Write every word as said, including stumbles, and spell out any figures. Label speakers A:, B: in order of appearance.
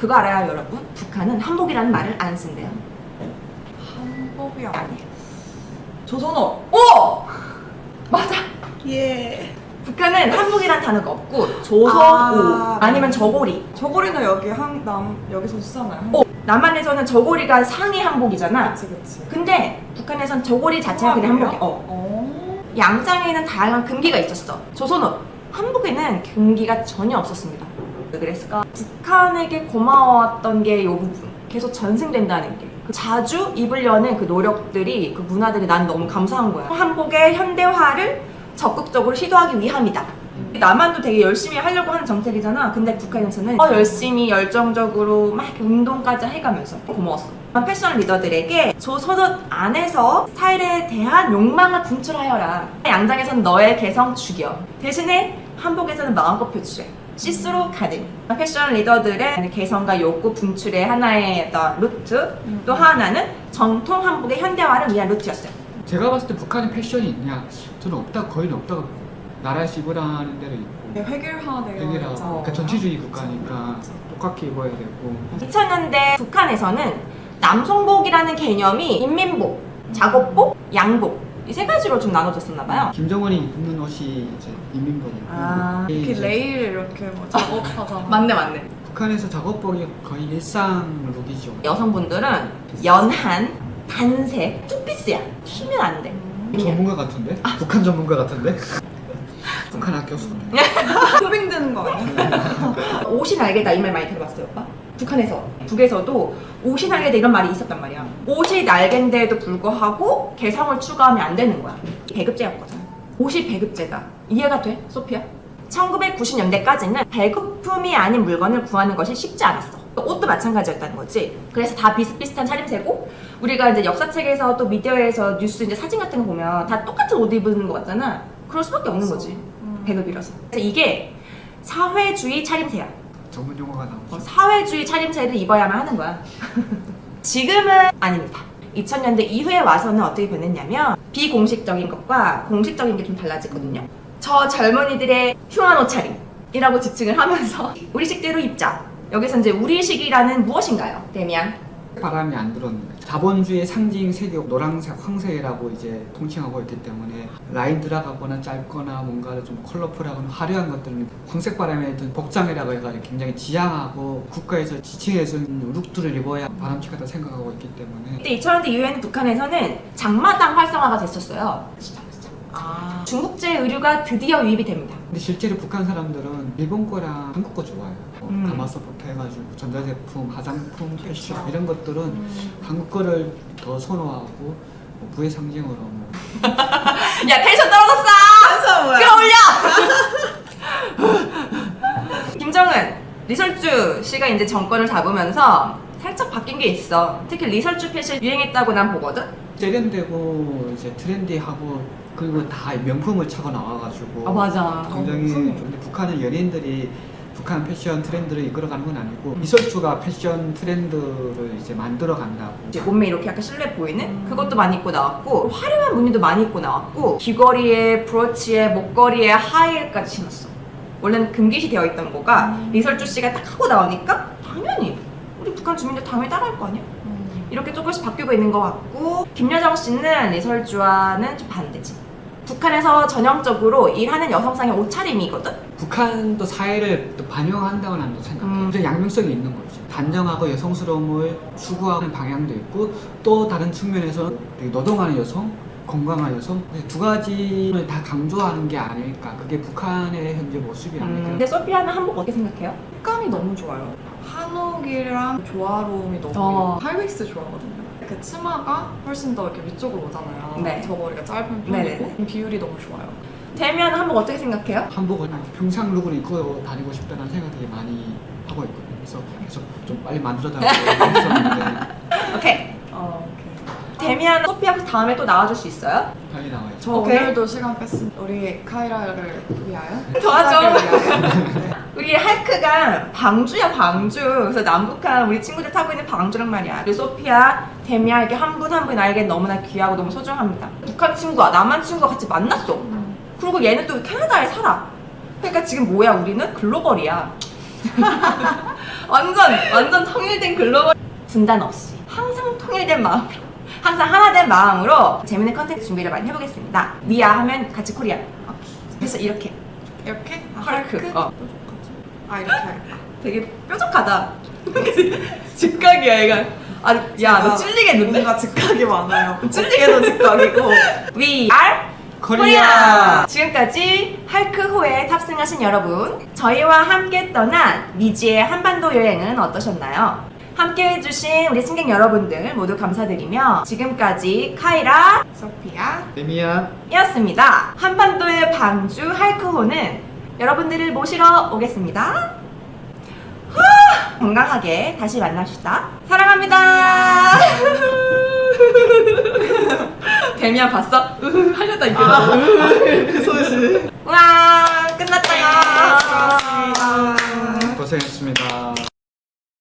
A: 그거 알아요 여러분? 북한은 한복이라는 말을 안 쓴대요.
B: 한복이
A: 아니.
B: 아니. 조선업.
A: 오! 맞아.
B: 예.
A: 북한은 한복이란 단어가 없고 조선옷
B: 아,
A: 아니면 저고리.
B: 저고리는 여기 한 남 여기서 쓰잖아요.
A: 어, 남한에서는 저고리가 상의 한복이잖아.
B: 그치 그치.
A: 근데 북한에선 저고리 자체가 그냥
B: 그래요?
A: 한복이야. 어.
B: 어.
A: 양장에는 다양한 금기가 있었어. 조선옷, 한복에는 금기가 전혀 없었습니다. 왜 그랬을까? 북한에게 고마웠던 게 이 부분. 계속 전승된다는 게. 그 자주 입으려는 그 노력들이, 그 문화들이 난 너무 감사한 거야. 한복의 현대화를 적극적으로 시도하기 위함이다. 남한도 되게 열심히 하려고 하는 정책이잖아. 근데 북한에서는 더 열심히 열정적으로 막 이렇게 운동까지 해가면서 고마웠어. 패션 리더들에게 조선옷 안에서 스타일에 대한 욕망을 분출하여라. 양장에서는 너의 개성 죽여. 대신에 한복에서는 마음껏 표출해. 시스루 가든. 패션 리더들의 개성과 욕구 분출의 하나의 어떤 루트,
B: 음.
A: 또 하나는 정통 한복의 현대화를 위한 루트였어요.
C: 제가 봤을 때 북한에 패션이 있냐? 저는 없다, 거의 없다고 봐요. 나라에서 입으라는 데도 있고
B: 획일화되어
C: 되게라
B: 있잖아요.
C: 그러니까 전체주의 국가니까 똑같이 입어야 되고.
A: 이천 년대 북한에서는 남성복이라는 개념이 인민복, 작업복, 양복 이 세 가지로 좀 나눠졌었나 봐요.
C: 김정은이 입는 옷이 이제 인민복이고
A: 아,
C: 이게
B: 이렇게
C: 이제
B: 레일 이렇게 뭐 작업하잖아.
A: 맞네.
C: 북한에서 작업복이 거의 일상 룩이죠.
A: 여성분들은 연한, 단색, 투피스야. 튀면 안 돼.
C: 전문가 같은데? 북한 전문가 같은데? 북한 학교 수.
B: 소빙되는 거 아니야?
A: 옷이 날개다 이 말 많이 들어봤어요, 오빠? 북한에서, 북에서도 옷이 날개다 이런 말이 있었단 말이야. 옷이 날개인데도 불구하고 개성을 추가하면 안 되는 거야. 배급제였거든. 옷이 배급제다. 이해가 돼, 소피아? 천구백구십 년대까지는 배급품이 아닌 물건을 구하는 것이 쉽지 않았어. 옷도 마찬가지였다는 거지. 그래서 다 비슷비슷한 차림새고, 우리가 이제 역사책에서 또 미디어에서 뉴스 이제 사진 같은 거 보면 다 똑같은 옷 입는 거 같잖아. 그럴 수밖에 없는 거지.
B: 음.
A: 배급이라서. 그래서 이게 사회주의 차림새야.
C: 전문 용어가 나오죠.
A: 어, 사회주의 차림새를 입어야만 하는 거야. 지금은 아닙니다. 이천 년대 이후에 와서는 어떻게 변했냐면 비공식적인 것과 공식적인 게 좀 달라지거든요. 저 젊은이들의 흉한 옷차림이라고 지칭을 하면서 우리식대로 입자. 여기서 이제 우리식이라는 무엇인가요? 데미안?
C: 바람이 안 들었는 거죠. 자본주의 상징 색이 노란색, 황색이라고 이제 통칭하고 있기 때문에 라인 들어가거나 짧거나 뭔가 좀 컬러풀하거나 화려한 것들은 황색 바람에 든 복장이라고 해가지고 굉장히 지향하고 국가에서 지칭해준 룩들을 입어야 바람직하다 생각하고 있기 때문에.
A: 근데 이천 년대 이후에는 북한에서는 장마당 활성화가 됐었어요.
B: 아.
A: 중국제 의류가 드디어 유입이 됩니다.
C: 근데 실제로 북한 사람들은 일본 거랑 한국 거 좋아해요. 뭐
A: 음.
C: 가마솥부터 해가지고 전자제품, 화장품, 패션
B: 그렇죠.
C: 이런 것들은
B: 음.
C: 한국 거를 더 선호하고 뭐 부의 상징으로 뭐
A: 야 텐션 떨어졌어!
B: 한참 뭐야?
A: 끌어올려! 김정은, 리설주 씨가 이제 정권을 잡으면서 살짝 바뀐 게 있어. 특히 리설주 패션 유행했다고 난 보거든?
C: 세련되고 이제 트렌디하고 그리고 다 명품을 차고 나와가지고
A: 맞아.
C: 굉장히
B: 어,
C: 근데 북한은 연예인들이 북한 패션 트렌드를 이끌어가는 건 아니고 이설주가 패션 트렌드를 이제 만들어 간다고.
A: 이제 몸매 이렇게 약간 실루엣 보이는 그것도 많이 입고 나왔고 화려한 무늬도 많이 입고 나왔고 귀걸이에 브로치에 목걸이에 하이힐까지 신었어. 원래는 금기시 되어 있던 거가
B: 음.
A: 리설주 씨가 딱 하고 나오니까 당연히 우리 북한 주민들 당연히 따라할 거 아니야?
B: 음.
A: 이렇게 조금씩 바뀌고 있는 것 같고 김여정 씨는 리설주와는 좀 반대지. 북한에서 전형적으로 일하는 여성상의 옷차림이거든?
C: 북한도 사회를 또 반영한다고 나는 생각해요.
A: 음.
C: 음. 양면성이 있는 거죠. 단정하고 여성스러움을 추구하는 방향도 있고 또 다른 측면에서 되게 노동하는 여성, 건강한 여성 두 가지를 다 강조하는 게 아닐까. 그게 북한의 현재 모습이 아닐까.
A: 음. 근데 소피아는 한복 어떻게 생각해요?
B: 색감이 너무 좋아요. 한옥이랑 조화로움이 너무
A: 어.
B: 하이웨이스트 좋아하거든요. 그 치마가 훨씬 더 이렇게 위쪽으로 오잖아요.
A: 네.
B: 저고리가 짧은
A: 네네네.
B: 편이고 비율이 너무 좋아요.
A: 대면 한복 어떻게 생각해요?
C: 한복을 평상 룩을 입고 다니고 싶다는 생각 되게 많이 하고 있거든요. 그래서 계속 좀 빨리 만들어달라고 했었는데
A: 오케이.
B: 어, 오케이.
A: 데미안 소피아 다음에 또 나와줄 수 있어요?
C: 빨리 나와야죠.
B: 저
A: 오케이.
B: 오늘도 시간 뺐습니다. 우리 카이라를 위하여.
A: 도와줘.
B: 시작을 위하여. 네.
A: 우리 할크가 방주야 방주. 그래서 남북한 우리 친구들 타고 있는 방주란 말이야. 그리고 소피아, 데미안 이렇게 한 분 한 분 나에게 너무나 귀하고 너무 소중합니다. 북한 친구와 남한 친구가 같이 만났어.
B: 음.
A: 그리고 얘는 또 캐나다에 살아. 그러니까 지금 뭐야 우리는 글로벌이야. 완전 완전 통일된 글로벌 분단 없이 항상 통일된 마음으로 항상 하나된 마음으로 재밌는 컨텐츠 준비를 많이 해보겠습니다. 미아 하면 같이 코리아. 그래서 이렇게
B: 이렇게? 아,
A: 헐크.
B: 헐크?
A: 어.
B: 아 이렇게 할까?
A: 되게 뾰족하다. 직각이야 얘가. 아, 야 너 찔리겠는데?
B: 뭔가 즉각이 많아요.
A: 찔리게도 직각이고. We are
C: 코리아.
A: 지금까지 할크호에 탑승하신 여러분, 저희와 함께 떠난 미지의 한반도 여행은 어떠셨나요? 함께 해주신 우리 승객 여러분들 모두 감사드리며 지금까지 카이라
B: 소피아.
C: 데미안.
A: 이었습니다. 한반도의 방주 할크호는 여러분들을 모시러 오겠습니다. 후, 건강하게 다시 만납시다. 사랑합니다. 데미안 봤어? 으흐, 하려다 이게.
B: 아, 그 소식.
A: 와 끝났다.
B: 네, 수고하셨습니다.
C: 고생했습니다.